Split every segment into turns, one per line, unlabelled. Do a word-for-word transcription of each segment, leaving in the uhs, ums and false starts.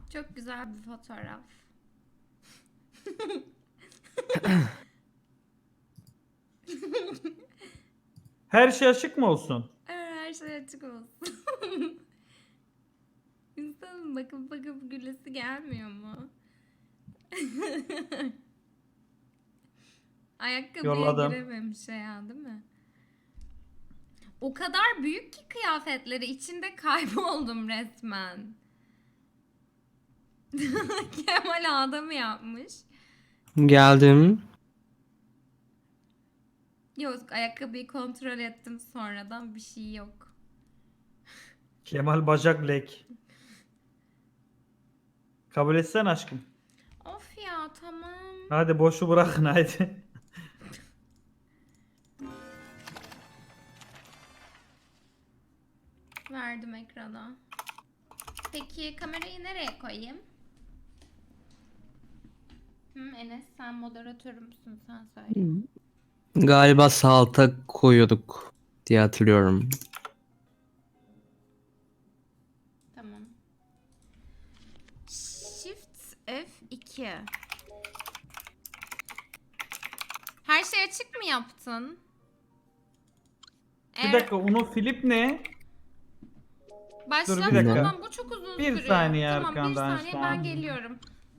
Çok güzel bir fotoğraf.
Her şey açık mı olsun?
Evet, her şey açık olsun. İnsanın bakıp bakıp gülesi gelmiyor mu? Ayakkabıya
Yolladım.
girememiş ya, değil mi? O kadar büyük ki kıyafetleri, içinde kayboldum resmen. Kemal Ağda yapmış?
Geldim.
Yok, ayakkabıyı kontrol ettim sonradan, bir şey yok.
Kemal bacak lek. Kabul etsen aşkım.
Of ya, tamam.
Hadi boşu bırakın haydi.
Verdim ekrana. Peki kamerayı nereye koyayım? Hı, Enes, sen moderatörümsün, sen söyle.
Galiba sağ alta koyuyorduk diye hatırlıyorum.
Tamam. Shift F iki. Her şey açık mı yaptın?
Bir dakika, Uno Flip ne?
Başlat.
Dur bir dakika.
Tamam, bu çok uzun
Bir
sürüyor.
saniye
Tamam, bir
arkandan
saniye,
şu
ben
an.
geliyorum.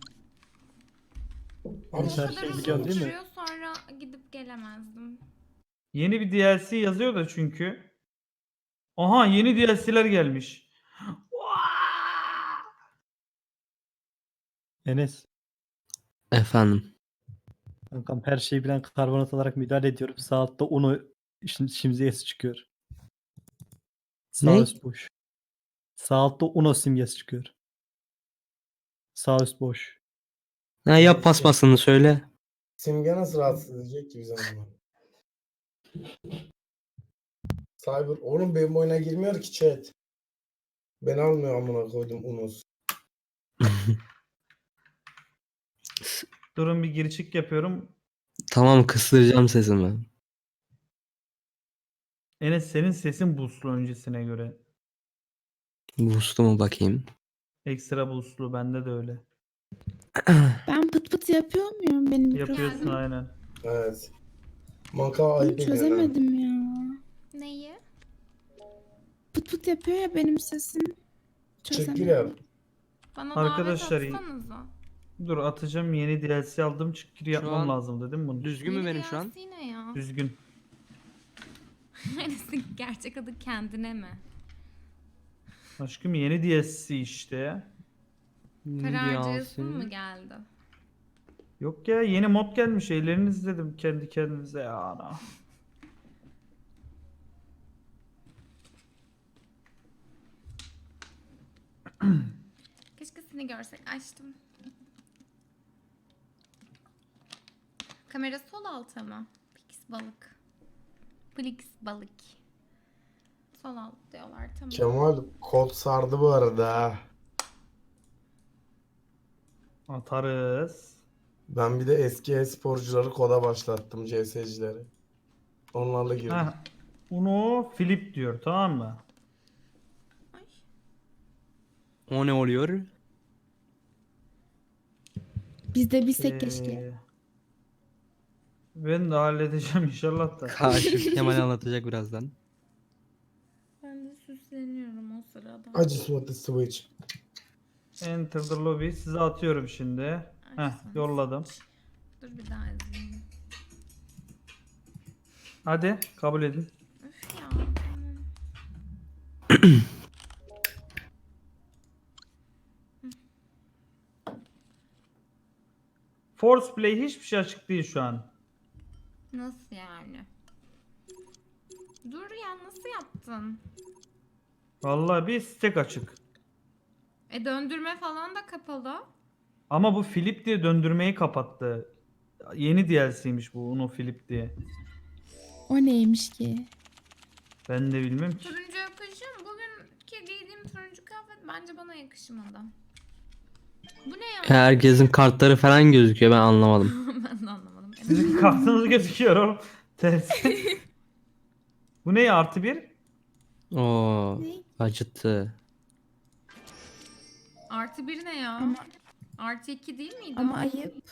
Abi
Bu
sen
kadar
şey
uzun
biliyorsun değil mi?
sürüyor, sonra gidip gelemezdim.
Yeni bir D L C yazıyor da çünkü. Aha, yeni D L C'ler gelmiş.
Enes.
Efendim.
Kankam her şeyi bilen karbonat olarak müdahale ediyorum. Sağ altta unu şimdi simgesi çıkıyor. Sağ
Ne?
üst boş. Sağ altta uno simgesi çıkıyor. Sağ üst boş.
Ha, yap paspasını söyle.
Simge nasıl rahatsız edecek ki bizi ama? Cyber, oğlum benim oyuna girmiyor ki chat. Ben almıyor amına koydum Unos.
Durun, bir gir çık yapıyorum.
Tamam, kısıracağım sesimi.
Enes, senin sesin boostlu öncesine göre.
Boost'u mu bakayım?
Ekstra boostlu, bende de öyle.
Ben pıt pıt yapıyor muyum benim
Yapıyorsun
mikrofon?
aynen.
Evet. Maka
Bunu
ayıp ediyor lan.
çözemedim ya.
Neyi?
Pıt pıt yapıyor ya benim sesim.
Çık
Çözemedim.
gir yap.
Bana
Arkadaşlar,
davet atsanıza.
dur atacağım, yeni D L C aldım, çık gir yapmam
an
lazım dedim bunu.
Düzgün mü
Yeni
benim şu an?
D L C ne ya?
Düzgün.
Enes'in gerçek adı kendine mi?
Aşkım, yeni D L C işte.
Para
Ne
harcayasın
diyorsun?
mı geldi?
Yok ya, yeni mod gelmiş, elleriniz dedim kendi kendinize ya ana.
Keşke seni görsek. Açtım. Kamera sol alta mı? Pix balık. Plix balık. Sol alt diyorlar, tamam.
Kemal kod sardı bu arada ha.
Atarız.
Ben bir de eski e-sporcuları koda başlattım, C S'cileri. Onlarla girdim.
Heh. Uno Flip diyor, tamam mı?
Ay.
O ne oluyor?
Biz de bilsek keşke.
Ee, ben de halledeceğim inşallah da.
Kaşif Kemal anlatacak birazdan.
Ben de süsleniyorum o sırada.
I just want to switch.
Enter the lobby. Size atıyorum şimdi. Heh, yolladım.
Dur bir daha izleyeyim.
Hadi kabul edin.
Üf ya. Tamam.
Force Play hiçbir şey açık değil şu an.
Nasıl yani? Dur ya, nasıl yaptın?
Vallahi bir stack açık.
E döndürme falan da kapalı.
Ama bu Flip diye döndürmeyi kapattı. Yeni D L C'ymiş bu Uno Flip diye.
O neymiş ki?
Ben de bilmem ki.
Turuncu yakışıyor mu? Bugünkü giydiğim turuncu kıyafet bence bana yakışmadı. Bu ne ya?
Herkesin kartları falan gözüküyor, ben anlamadım.
Ben de anlamadım.
Sizin kartınız gözüküyor oğlum. Tersi. Bu ne ya, artı bir?
Oo,
Ne?
acıttı.
Artı Artı bir ne ya?
Ama
Artı iki değil miydi?
ama
o?
ayıp.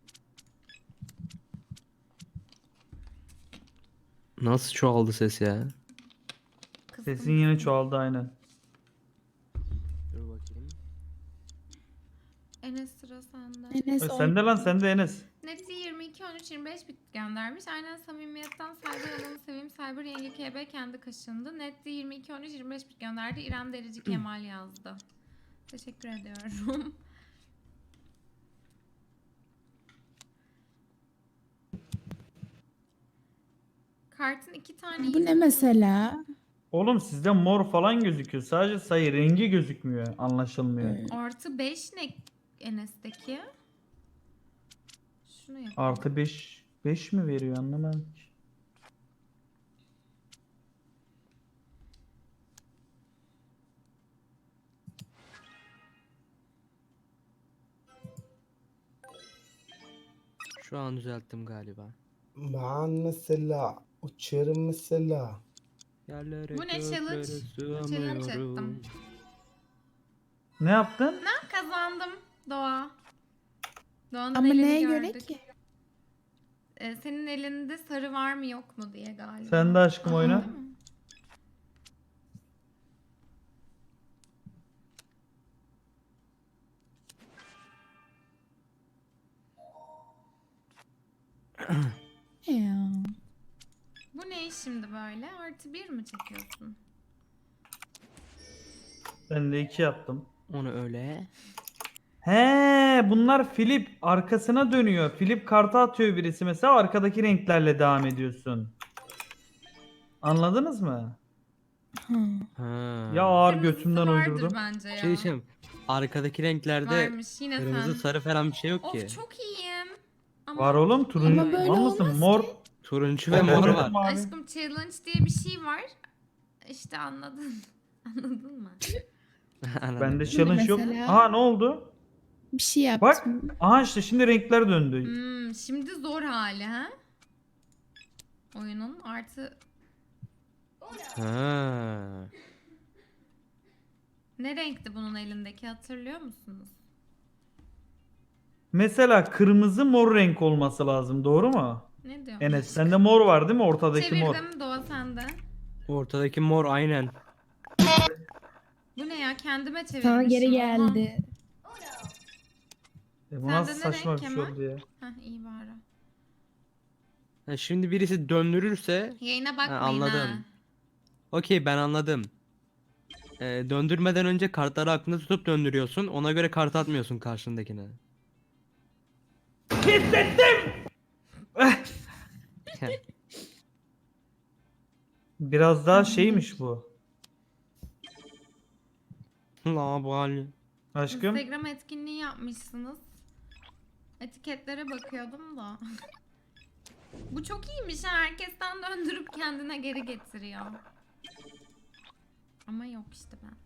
Nasıl çoğaldı ses ya?
Kıstım.
Sesin yine çoğaldı aynen.
Dur bakayım.
Enes sıra sende.
Enes
E,
on-
Sende lan sende Enes.
Netli yirmi iki on üç yirmi beş bit göndermiş. Aynen samimiyetten Cyber alanı seveyim. Cyber yenge K B kendi kaşındı. Netli yirmi iki on üç yirmi beş bit gönderdi. İrem Derici Kemal yazdı. Teşekkür ediyorum. Kartın iki tane
Bu ne mesela?
Oğlum sizde mor falan gözüküyor. Sadece sayı rengi gözükmüyor. Anlaşılmıyor.
Ee,
Artı beş ne Enes'teki? Şunu yap.
Artı beş. beş mi veriyor anlamadım ki.
Şu an düzelttim galiba.
Ben mesela uçarım mesela.
Yerlere
Bu ne challenge?
göklere
Challenge
sığamıyorum.
ettim.
Ne yaptın?
Ben kazandım Doğa. Doğan'ın
Ama
elini
neye
gördük.
göre ki?
Ee, senin elinde sarı var mı yok mu diye galiba.
Sen de aşkım
Aha,
oyna.
değil mi?
Ya.
Bu ne şimdi böyle? Artı bir mi çekiyorsun?
Ben de iki yaptım.
Onu öyle.
He, bunlar flip arkasına dönüyor. Flip kartı atıyor birisi mesela arkadaki renklerle devam ediyorsun. Anladınız mı?
Ha.
Ha.
Ya ağır
Kırmızısı
götümden
vardır
uydurdum.
bence ya.
Şey diyeceğim. Arkadaki renklerde
Varmış yine
kırmızı
sen.
sarı falan bir şey yok ki.
Of çok iyiyim. Ama
Var oğlum turuncu.
Ama böyle
Var mısın?
olmaz
Mor.
ki.
Turuncu ve mor var.
Mavi.
aşkım challenge diye bir şey var. İşte anladın. Anladın mı?
Anladım.
Bende challenge yok.
mesela?
Aha ne oldu?
Bir şey
Bak.
yaptım.
Aha işte şimdi renkler döndü.
Hmm, şimdi zor hali ha? Oyunun artı
Ha.
ne renkti bunun elindeki hatırlıyor musunuz?
Mesela kırmızı mor renk olması lazım. Doğru mu?
Ne diyor?
Enes sende mor var değil mi? Ortadaki mor.
Çevirdim Doğa sende.
Ortadaki mor aynen.
Bu ne ya kendime çevirmişim.
Sana geri
Oha.
geldi.
E, bu
Sende
nasıl
ne
saçma
renk
bir şey
Kemal?
oldu ya.
Heh iyi bari.
Ha, şimdi birisi döndürürse
Yayına
ha,
bakmayın
anladım.
ha.
Okey ben anladım. Ee, döndürmeden önce kartları aklında tutup döndürüyorsun. Ona göre kart atmıyorsun karşındakine.
Biraz daha şeymiş bu.
La bu hali.
Aşkım.
Instagram etkinliği yapmışsınız. Etiketlere bakıyordum da. Bu çok iyiymiş ha. Herkesten döndürüp kendine geri getiriyor. Ama yok işte bende.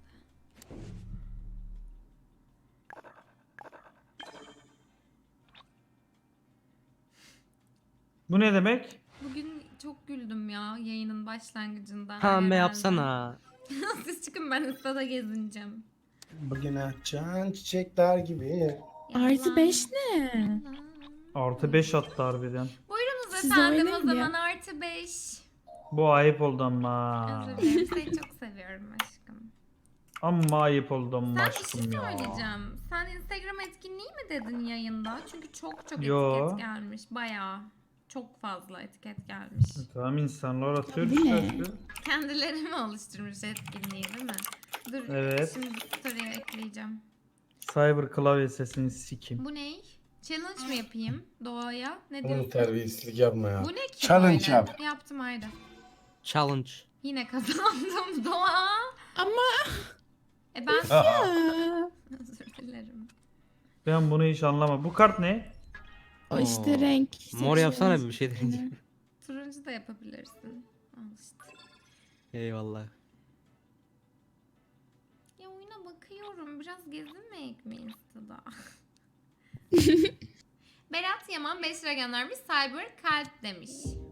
Bu ne demek?
Bugün çok güldüm ya yayının başlangıcında.
Pembe
herhalde.
yapsana.
Siz çıkın ben ıstada gezineceğim.
Bugün açan çiçekler gibi.
Artı beş ne?
Artı beş attı harbiden.
Buyurunuz
Siz
efendim o
oynayın ya.
zaman artı beş.
Bu ayıp oldu ama.
Özür dilerim seni çok seviyorum aşkım.
Amma ayıp oldu ama
Sen bir şey
aşkım ya.
söyleyeceğim. Sen Instagram etkinliği mi dedin yayında? Çünkü çok çok
Yo.
etiket gelmiş. Bayağı. Çok fazla etiket gelmiş.
Tamam insanlar atıyor
Bu
işte
ne?
aşkım.
Kendileri mi oluşturmuş etkinliği değil mi? Dur
Evet.
şimdi story'e ekleyeceğim.
Cyber klavye sesini sikim.
Bu ne? Challenge mı yapayım Doğa'ya? Ne
Onu
diyorsun?
terbiyesizlik yapma ya.
Bu ne ki
Challenge
böyle?
yap.
Yaptım haydi.
Challenge.
Yine kazandım Doğa.
Ama
E ben
ya.
özür dilerim.
Ben bunu hiç anlamadım. Bu kart ne?
O işte
Oo.
renk.
Mor yapsana
seçiyoruz.
bir şey deneyeceğim.
Turuncu da yapabilirsin. Al işte.
Eyvallah.
Ya oyuna bakıyorum. Biraz gezinmeyek mi Insta'da? Berat Yaman beş lira göndermiş. Cyber kalp demiş.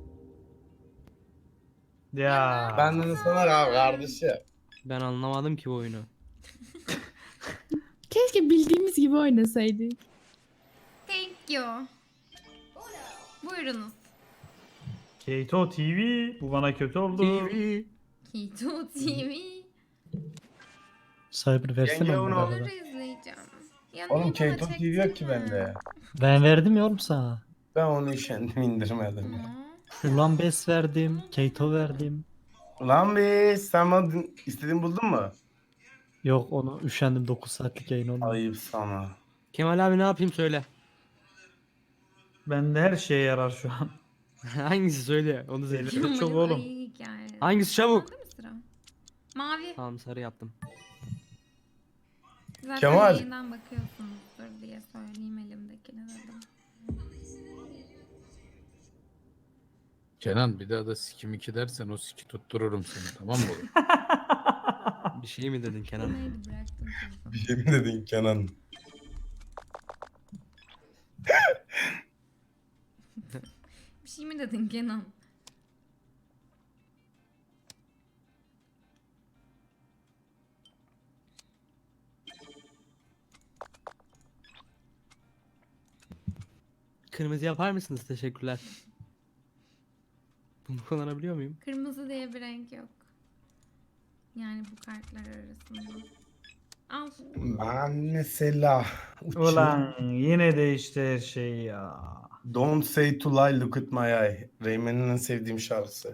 Ya.
Benden sana kal kardeşim.
Ben anlamadım ki bu oyunu.
Keşke bildiğimiz gibi oynasaydık.
Thank you. Buyurunuz.
Keto T V. Bu bana kötü oldu.
T V.
Keto T V.
Cyber versene
Yenge
onu
onu-
bu
Onları
arada.
izleyeceğim. Ya
Oğlum
niye bana
Keto T V yok ki
çektirme?
bende.
Ben verdim ya oğlum sana.
Ben onu kendim indirmedim ya.
Aa,
Ulan Bes verdim. Keito verdim.
Ulan be sen bana dün- istediğini buldun mu?
Yok onu üşendim dokuz saatlik yayın olmadı.
Ayıp sana.
Kemal abi ne yapayım söyle.
Bende her şeye yarar şu an.
Hangisi söyle onu söyle.
Elbette çok
Kemal'in
oğlum.
ayı hikayesi.
Hangisi çabuk?
Sende mi sıra? Mavi.
Tamam sarı yaptım.
Zaten
Kemal.
yayından bakıyorsunuzdur diye söyleyeyim elimdekini dedim.
Kenan bir daha da sikim iki dersen o siki tuttururum seni, tamam mı oğlum?
Bir şey mi dedin Kenan?
Neydi bıraktım telefonu.
Bir şey mi dedin Kenan?
Bir şey mi dedin Kenan?
Kırmızı yapar mısınız? Teşekkürler. Bunu kullanabiliyor muyum?
Kırmızı diye bir renk yok. Yani bu kartlar arasında. Al.
Ben mesela uçuyorum.
Ulan yine değişti her şey ya.
Don't say to lie, look at my eye. Rayman'in en sevdiğim şarkısı.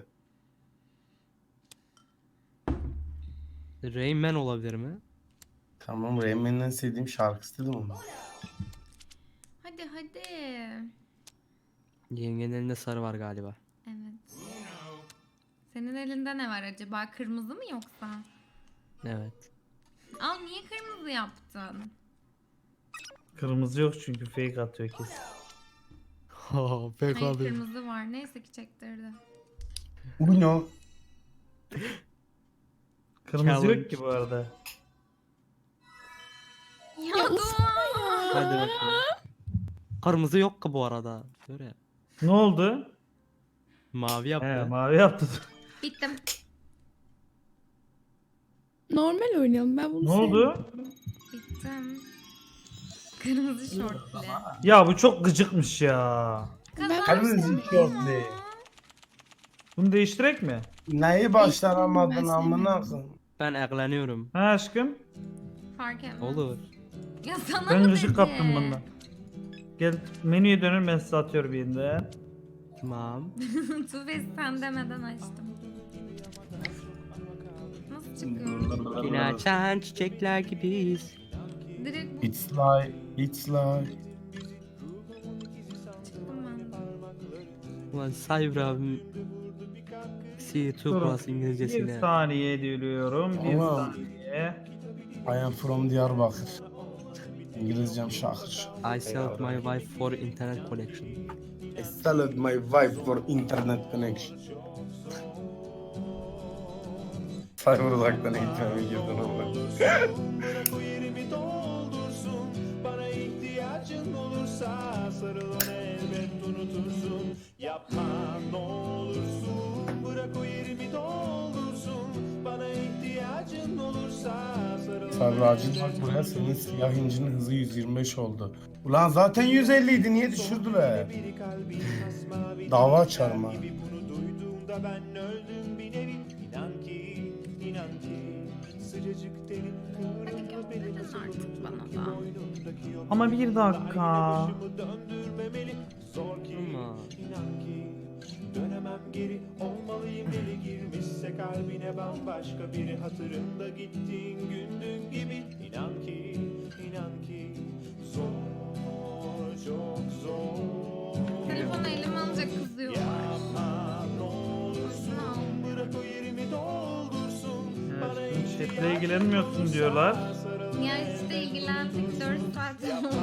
Rain Man olabilir mi?
Tamam, Rayman'in en sevdiğim şarkısı dedim onu.
Hadi hadi.
Yengenin elinde sarı var galiba.
Evet. Senin elinde ne var acaba? Kırmızı mı yoksa?
Evet.
Al niye kırmızı yaptın?
Kırmızı yok çünkü fake atıyor kesin.
Oh, pek
Hayır kırmızı var. Neyse ki çektirdi.
Uno.
Kırmızı yok
Challenge.
ki bu arada.
Ya dur.
Hadi bakalım. Kırmızı yok ki bu arada. Böyle.
Ne oldu?
Mavi yaptı.
He mavi yaptı.
Bittim.
Normal oynayalım. Ben bunu
Ne
sevmiyorum.
oldu?
Bittim. Kırmızı şortlu.
Ya bu çok gıcıkmış ya.
Ben
Kırmızı şortlu.
Bunu değiştirek mi?
Neyi başaramadın
Ben
amına
sevmiyorum.
koyayım?
Ben ekleniyorum.
Ha aşkım?
Fark etmez.
Olur.
Ya sana
Ben
mı
gıcık
dedi?
kaptım bundan. Gel menüye dönün ben size atıyorum bir yerinde.
Tamam.
Tufes sen demeden açtım. Nasıl çıkıyor?
Yine açan çiçekler gibiyiz.
Direkt
It's like, it's like.
çıktım ben de.
Ulan Cyber abim C iki
Durun.
Plus
Bir
İngilizcesine.
saniye diyorum. Bir
Tamam.
saniye.
I am from Diyarbakır. İngilizcem şakır.
I sold my wife for internet collection.
I sold my wife for internet connection. Cyber uzaktan eğitmeme girdin ama.
Bana ihtiyacın olursa sarıl ona elbet unutursun. Yapma ne olursun, bırak o yerimi doldursun. Bana ihtiyacın olursa sarıl
Cyber acil bak buraya, senin siyah incinin hızı yüz yirmi beş oldu. Ulan zaten yüz elli idi, niye düşürdüler? Dava açarım ha.
bunu duyduğumda ben öldüm bir nevi. İnan ki, inan ki sıcacık derin
Hadi gönderin artık bana da.
boynundaki o
Ama bir dakika.
döndürmemeli. Zor ki,
Ama
inan ki dönemem geri, olmalıyım deli girmişse kalbine bambaşka biri. Hatırında gittiğin gündüğün gibi. İnan ki, inan ki zor, çok zor.
Telefonu elime alınca kızıyorlar.
Yapma ne olursun,
Aslında al.
bırak o yerimi doldursun. Bana
Evet, chatle ilgilenmiyorsun diyorlar.
Ya işte ilgilendik dört saat oldu.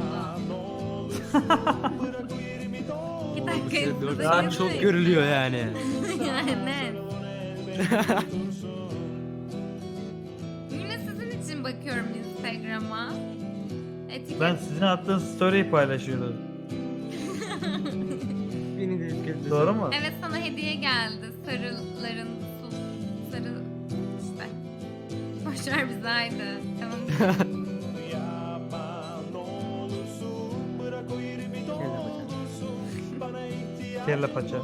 İki dakika
dört
izledik.
saat çok görülüyor yani.
Yani net. Yine sizin için bakıyorum Instagram'a. Etiket.
Ben sizin attığınız story'i paylaşıyordum.
Beni de etkiledi.
Doğru mu?
Evet sana hediye geldi. Sarıların su. Sarı işte. Boşver bizi haydi. Tamam.
Kelle paça.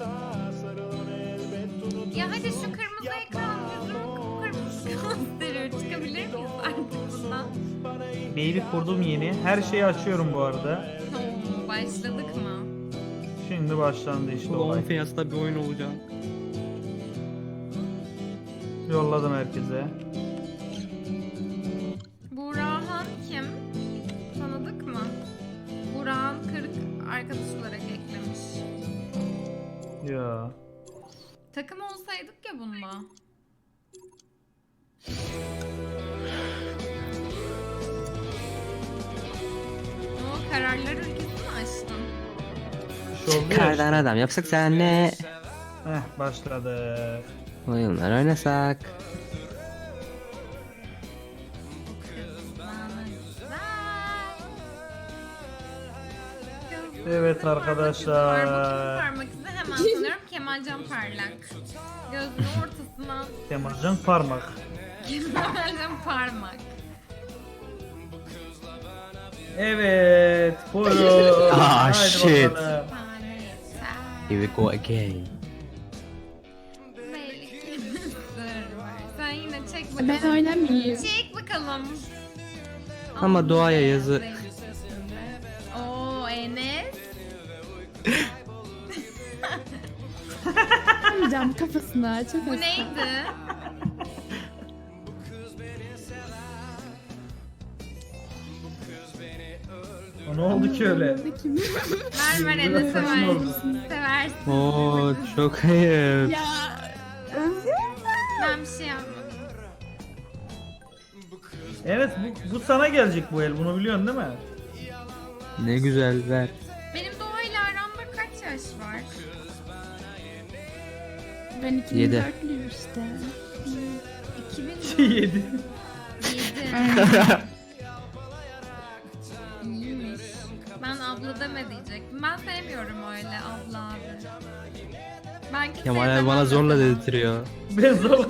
Ya hadi şu kırmızı ekran yüzümü kıpkırmızı gösteriyor. Çıkabilir miyiz artık bundan?
Maili kurdum yeni. Her şeyi açıyorum bu arada.
Oo, başladık mı?
Şimdi başlandı işte
Bu
olay.
OnlyFans'ta bir oyun olacak.
Yolladım herkese.
Burhan kim? Tanıdık mı? Burhan Kırık arkadaş olarak eklemiş.
Ya.
Takım olsaydık ya bununla. O kararlar ülkesi mi açtın?
Bir şey oldu ya
Kardan
işte.
adam yapsak senle.
Heh başladı.
Oyunlar oynasak.
Evet arkadaşlar.
Parmak izi hemen sanıyorum Kemalcan Parlak. Gözünün ortasına
Kemalcan parmak.
Kemalcan Parmak.
Evet. Buyurun.
Ah,
Haydi
shit.
bakalım.
Here we go again.
Belli ki sır var. Sen yine çek bakalım.
Ben oynamayayım.
Çek bakalım.
Ama doğaya yazı.
Oo Enes.
Oynamayacağım kafasına. Çok
Bu
hasta.
neydi?
O ne oldu ki öyle?
Kim?
Ver ver Enes'e
saçma
ver.
oldu.
Seversin.
Oo çok ayıp.
Ya.
Ben bir şey yapmadım.
Evet bu, bu sana gelecek bu el. Bunu biliyorsun değil mi?
Ne güzel ver.
Benim doğayla aramda kaç yaş var?
Ben iki bin
Yedi.
dörtlüyüm işte.
iki bin
Yedi.
yedi.
Aynen.
İyiymiş. Ben abla deme diyecektim. Ben sevmiyorum öyle abla abi. Ben kimseye
Kemal abi
demem
bana zorla
mesela.
dedirtiyor.
Ben zor.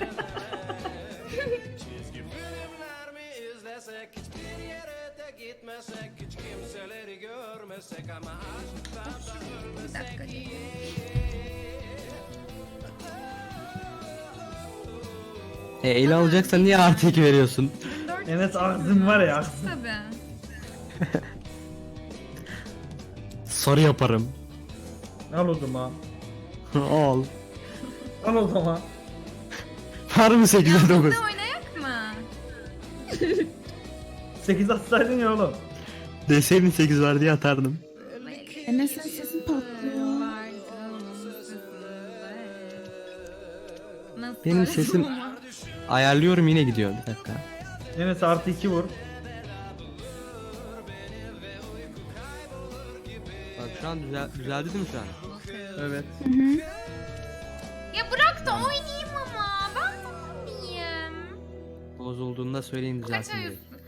Bir dakika.
E ele alacaksan niye artı iki veriyorsun?
dört
Enes ağzın var ya. ağzın.
tabii.
Soru yaparım.
Al o zaman.
Al.
Al o zaman.
Var mı
Ya
sekize dokuz?
burada oynayak mı?
sekiz atsaydın ya oğlum.
Deseydin sekiz var diye atardım.
Enes'in sesi patlıyor.
Nasıl
Benim
öyle
sesim-
ama?
Ayarlıyorum yine gidiyor bir dakika.
Enes artı iki vur.
Bak şu an düzel düzeldi değil mi şu an?
Evet.
Hı hı.
Ya bırak da oynayayım ama. Ben tamamıyım.
Bozulduğunda söyleyin
Kaç
düzelsin
ay
diye.
üstü?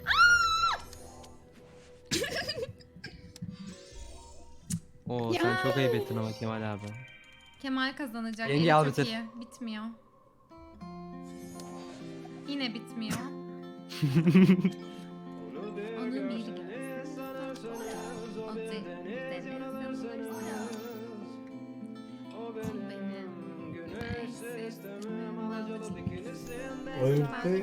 Oo
Ya.
sen çok ayıp ettin ama Kemal abi.
Kemal kazanacak.
Yenge
Eli
al
çok
bitir.
iyi. Bitmiyor. Yine bitmiyor. Onu bir görsün. O deniz yanılırsa. O benim
Oyun bitti.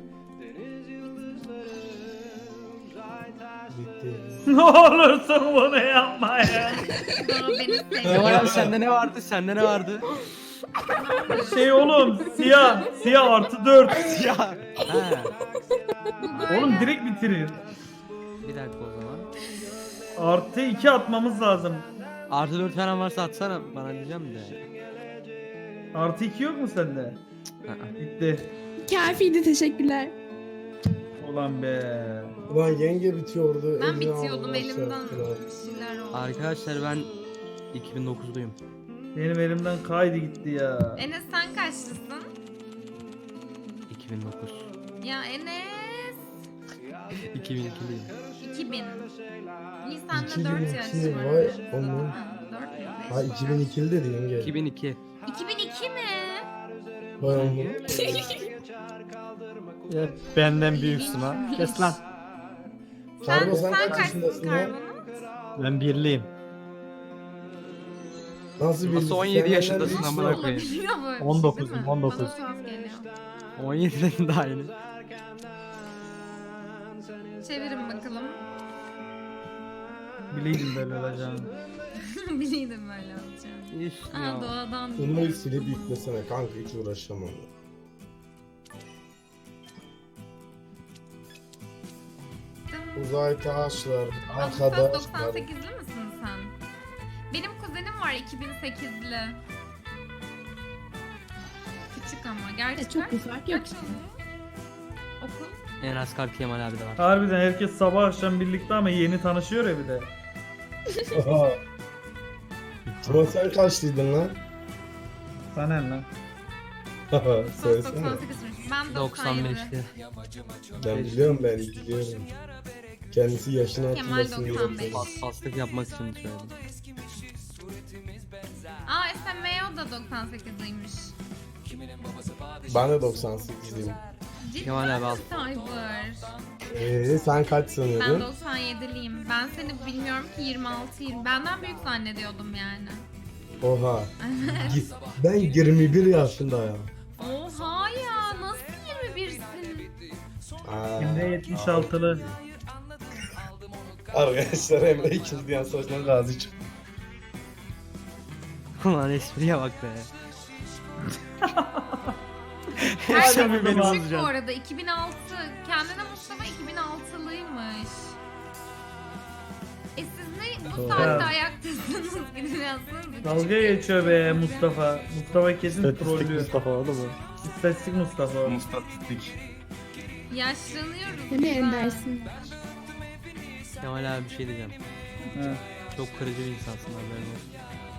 Bitti.
Ne olursun bunu yapma ya.
O beni
Kemal
seviyor.
abi sende ne vardı? Sende ne vardı?
Şey oğlum siyah. Siyah artı dört.
ya. Ha.
Bu böyle-
Oğlum direkt bitirir.
Bir dakika o zaman.
Artı iki atmamız lazım.
Artı dört falan varsa atsana bana diyeceğim de.
Artı iki yok mu sende?
Aa.
Bitti.
Kafiydi, teşekkürler.
Ulan be.
Ulan yenge bitiyordu.
Ben
eline
bitiyordum
aldılar,
elimden
serptiler.
bir şeyler oldu.
Arkadaşlar ben iki bin dokuzluyum.
Benim elimden kaydı gitti ya.
Enes sen kaçlısın?
iki bin dokuz.
Ya Enes.
iki bin ikiliyim.
iki bin. İyi sende
iki bin
dört
iki,
yaş var.
vay aman.
Ha, dört mü, beş
Ha
mi?
iki bin ikili dedi yenge.
iki bin iki.
iki bin iki mi?
Vay aman.
Ya benden büyüksün ha. Kes lan.
Sen,
Karbo, sen
sen
kaç
kaçsın
yaşındasın ya?
Karbo'nun?
Ben birliyim.
Nasıl bir
Nasıl on yedi
Sen
yaşındasın
benden
amına
büyüksün.
koyayım?
Olabiliyor böyle bir
on dokuzum,
şey değil mi?
on dokuz.
Bana tuhaf geliyor.
on yediden daha yeni.
Çevirin bakalım.
Bileydim böyle olacağını.
Biliydim böyle olacağını.
İşte
Aa
ya.
doğadan.
Bunu silip yüklesene kanka, hiç uğraşamam. Uzay taşlar,
Ağustos
arkadaşlar.
doksan sekizli misin sen? Benim kuzenim var iki bin sekizli. Küçük ama. Gerçi
E, çok
kaç-
bir fark yok.
kaç oluyor? Okul?
En az Kalp Kemal abi de var.
Harbiden herkes sabah akşam birlikte ama yeni tanışıyor ya bir de.
Ama sen kaçlıydın lan?
Sana ne lan?
Ağustos
Söylesene.
doksan sekizmiş. Ben
doksan
doksan yedi.
beşti.
Ben biliyorum, ben biliyorum. Kendisi yaşını
Kemal
hatırlasın diye.
doksan beş.
yapıyor.
Pas, paslık yapmak için söyledim.
Aa S M O da doksan sekizliymiş.
Ben de doksan sekizliyim.
Ciddi
Kemal abi al.
misin Cyber?
Ee, sen kaç
Ben
sanıyordun?
doksan yediliyim. Ben seni bilmiyorum ki yirmi altıyım. Benden büyük zannediyordum yani.
Oha. Gi- Ben yirmi bir yaşındayım.
Oha ya nasıl yirmi birsin?
Aa.
Hem de yetmiş altılı.
Arkadaşlar Emre ikinci Dünya Savaşı'ndan gazi çıktı.
Ulan espriye bak be.
Herkes
Sen bir beni
küçük bu
bozacaksın.
arada. iki bin altı. Kendine Mustafa iki bin altılıymış. E siz ne bu saatte
Ya.
ayaktasınız? Gidin yazsanıza.
Dalga geçiyor be Mustafa. Mustafa kesin
Statistik
trollüyor.
Mustafa oldu mu?
İstatistik Mustafa. o.
Mustatistik.
Yaşlanıyoruz.
Değil mi
biz ha.
Ender'sin?
Kemal abi bir şey diyeceğim.
He.
Çok kırıcı bir insansın haberin olsun.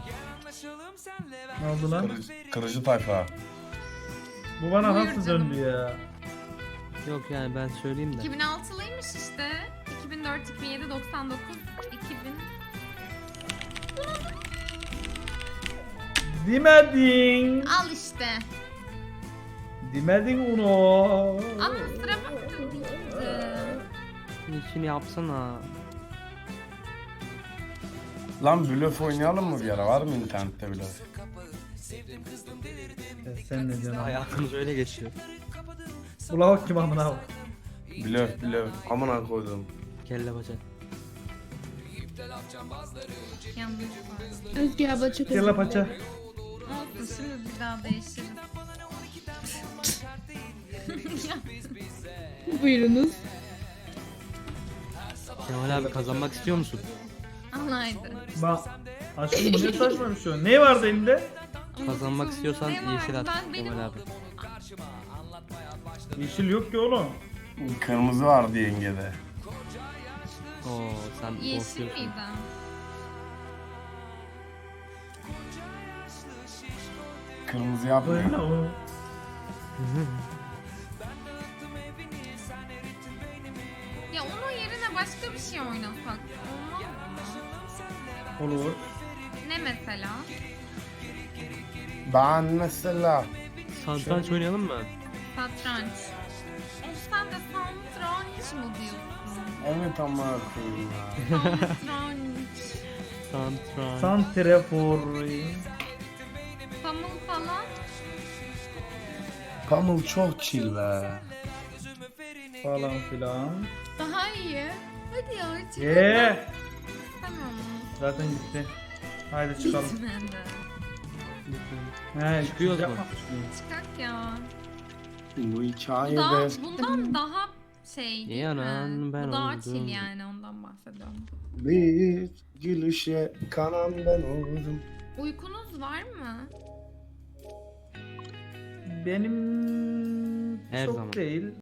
Ne oldu lan?
Kırıcı, kırıcı tayfa.
Bu bana
Buyur
nasıl
canım.
döndü ya?
Yok yani ben söyleyeyim de.
iki bin altılıymış işte. iki bin dört, iki bin yedi, doksan dokuz, iki bin.
Demedin.
Al işte.
Demedin onu.
Ama sıra baktı değildi.
İçini yapsana.
Lan blöf oynayalım mı bir ara? Var mı internette blöf?
Ya sen ne diyorsun?
Hayatımız öyle geçiyor.
Ula bak kim amına bak.
Blöf blöf. Amına koydum.
Kelle paça.
Yanlış var.
Özgür abla çok özür
Kelle paça.
Olsun şimdi bir daha değişiriz. Ya,
dilerim. Buyurunuz.
Kemal abi kazanmak istiyor musun?
Alaydı.
Bak. Aşkım bu ne saçma bir şey. Ne vardı elinde?
Kazanmak istiyorsan
Ne var?
yeşil at
Ben benim-
Kemal abi.
Yeşil yok ki oğlum.
Kırmızı vardı yengede.
Oo sen
Yeşil
korkuyorsun.
miydi?
Kırmızı yapmıyor.
Böyle o.
Ya onun yerine başka bir şey oynasak. Olmaz mı?
Olur.
Ne mesela?
Ben mesela
Satranç oynayalım mı?
Satranç. Of sen de satranç mı diyorsun?
evet ama koyayım ya.
Satranç.
Satranç.
Santrafor.
Pamuk falan.
Pamuk çok chill be.
Falan filan.
Daha iyi. Hadi ya çıkalım.
Eee.
Tamam.
Zaten gitti. Haydi çıkalım.
Gitmedi.
He,
Çıkıyoruz mu?
yapmamış mıyım?
Çıkak ya.
Bu
Bu
hikayede
daha, bundan daha şey değil
İyi anan,
mi?
ben
Bu daha
oldum.
chill yani ondan bahsediyorum.
bir gülüşe kanan ben oldum.
Uykunuz var mı?
Benim
Her
çok
zaman.
değil.